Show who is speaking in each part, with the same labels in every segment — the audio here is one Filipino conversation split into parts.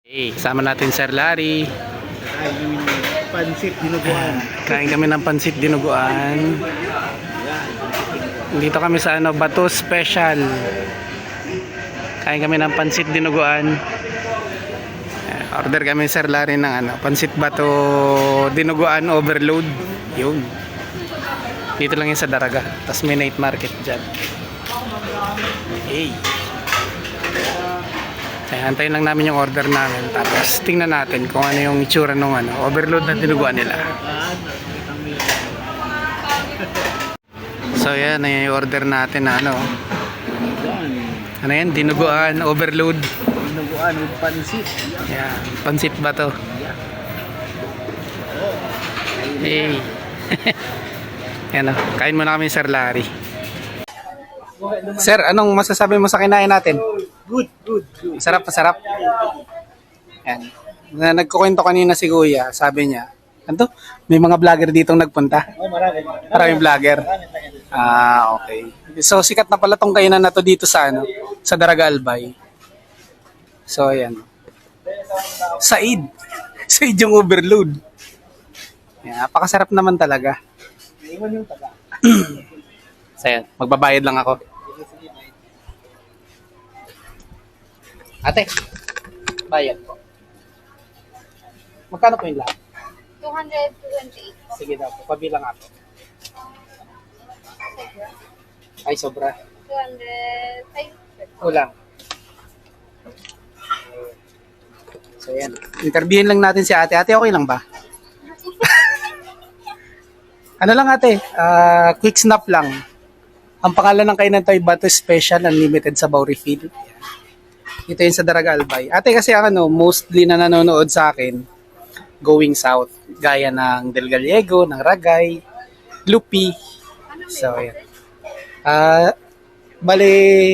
Speaker 1: Hey, kasama natin Sir Larry.
Speaker 2: Kain kami ng pansit dinuguan.
Speaker 1: Kain kami ng pansit dinuguan. Dito kami sa Bato Special. Kain kami ng pansit dinuguan. Order kami Sir Larry ng pansit Bato dinuguan overload. Yun. Dito lang yun sa Daraga. Tapos may night market dyan. Hey. Kaya antayin lang namin yung order namin. Tapos tingnan natin kung ano yung itsura ng overload na dinuguan nila. So yan, yung order natin na ano yan? Dinuguan, overload.
Speaker 2: Dinuguan with pansit.
Speaker 1: Yan, pansit ba to? Hey. Yan kain muna kami Sir Larry. Sir, anong masasabi mo sa kinain natin?
Speaker 2: Good.
Speaker 1: Sarap. Yan. Nagkukwento kanina si Kuya, sabi niya, may mga vlogger ditong nagpunta.
Speaker 2: Oh, marami.
Speaker 1: Maraming vlogger. Okay. So sikat na pala tong kainan na to dito sa sa Daraga Albay. So ayan. Said yung overload. Yan, napakasarap naman talaga.
Speaker 2: Iwan yung taga.
Speaker 1: So ayan, magbabayad lang ako. Ate, bayad po. Magkano po yung lahat?
Speaker 3: 228.
Speaker 1: Sige daw po, pabilang ako. Ay, sobra.
Speaker 3: 205.
Speaker 1: Kulang. So yan, interviewin lang natin si ate. Ate, okay lang ba? Ano lang ate, quick snap lang. Ang pangalan ng kainan to ay Bato Special Unlimited Sabaw Refill. Ito yun sa Daraga Albay. Ate kasi mostly na nanonood sa akin, going south. Gaya ng Del Gallego, ng Ragay, Lupi. So, yan. Bale,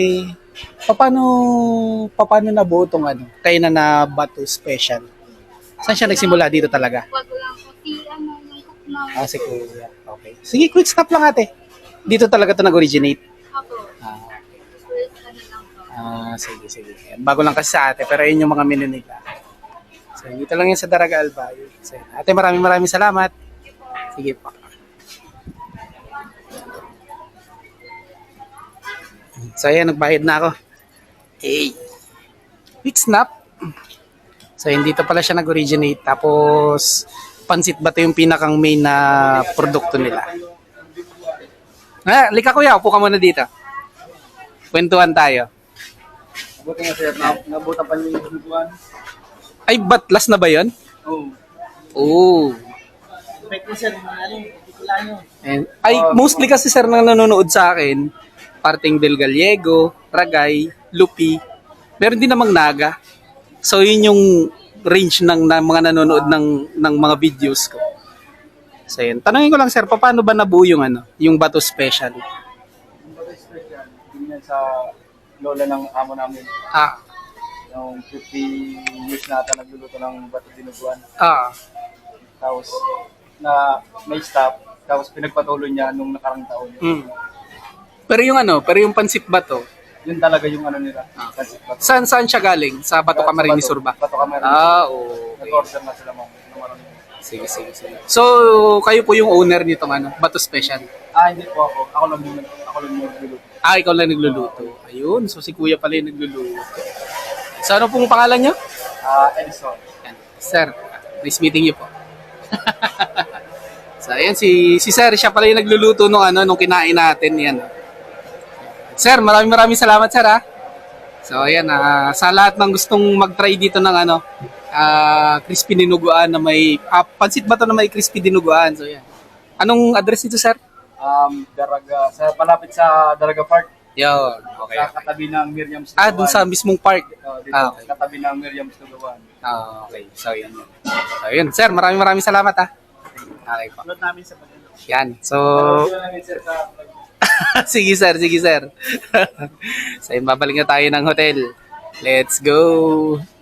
Speaker 1: paano nabuo itong kainan na Bato Special? Saan siya nagsimula dito talaga?
Speaker 3: Wag lang po. Yung cook na.
Speaker 1: Si Kuya. Okay. Sige, quick stop lang ate. Dito talaga ito nag-originate.
Speaker 3: Ako. First lang po.
Speaker 1: Sige. Bago lang kasi sa ate, pero yun yung mga menu nila. So, dito lang yun sa Daraga Albay. So, ate, maraming salamat. Sige po. So, ayan, nagbayad na ako. Hey! Quick snap. So, yun, dito pala siya nag-originate. Tapos, pansit Bato yung pinakang main na produkto nila. Lika kuya, upo ka muna dito. Kwentuhan tayo.
Speaker 2: Mabuti nga sir, nabutan pa yung dinuguan.
Speaker 1: Ay, last na ba yun?
Speaker 2: Oo.
Speaker 1: Oo.
Speaker 2: Effect mo sir, hindi ko lang yun.
Speaker 1: Mostly kasi sir nang nanonood sa akin, parting Del Gallego, Ragay, Lupi, meron din namang Naga. So yun yung range ng mga nanonood ng mga videos ko. So yun. Tanungin ko lang sir, paano ba nabuo yung Bato Special?
Speaker 2: Yung Bato Special, yun yan sa lola ng amo namin. Yung 50 years na ata nagluluto ng bato dinuguan. Tapos na may stop, tapos pinagpatuloy niya nung nakarang taon.
Speaker 1: Pero yung pansit Bato,
Speaker 2: Yun talaga yung nila. Pansit bato.
Speaker 1: saan siya galing? Sa Bato Camarines Sur ba?
Speaker 2: Bato Camarines.
Speaker 1: Okay.
Speaker 2: Nag-order na sila ng marami.
Speaker 1: Sige. So, kayo po yung owner nitong Bato Special?
Speaker 2: Hindi po ako. Ako lang yung nagluluto.
Speaker 1: Ikaw lang nagluluto. Ayun, so si Kuya pala yung nagluluto. So, ano pong pangalan niyo?
Speaker 2: Edison.
Speaker 1: Yan. Sir, nice meeting you po. So, ayan, si Sir, siya pala yung nagluluto nung kinain natin. Yan. Sir, maraming salamat, Sir, ha? So, ayan, sa lahat ng gustong mag-try dito ng crispy dinuguan na may, pansit ba to na may crispy dinuguan? So, yan. Anong address nito, Sir?
Speaker 2: Daraga, palapit sa Daraga Park.
Speaker 1: Yun, okay.
Speaker 2: Sa katabi ng Miriam's Lugawan.
Speaker 1: Dun sa mismong park.
Speaker 2: Dito,
Speaker 1: Okay.
Speaker 2: katabi ng Miriam's Lugawan.
Speaker 1: Okay, so yun. So, yun, Sir, maraming salamat, ha? Okay po.
Speaker 2: Upload namin sa pagkano.
Speaker 1: Yan, so...
Speaker 2: Upload namin sir sa
Speaker 1: sige, Sir. So, yun, babalik na tayo ng hotel. Let's go!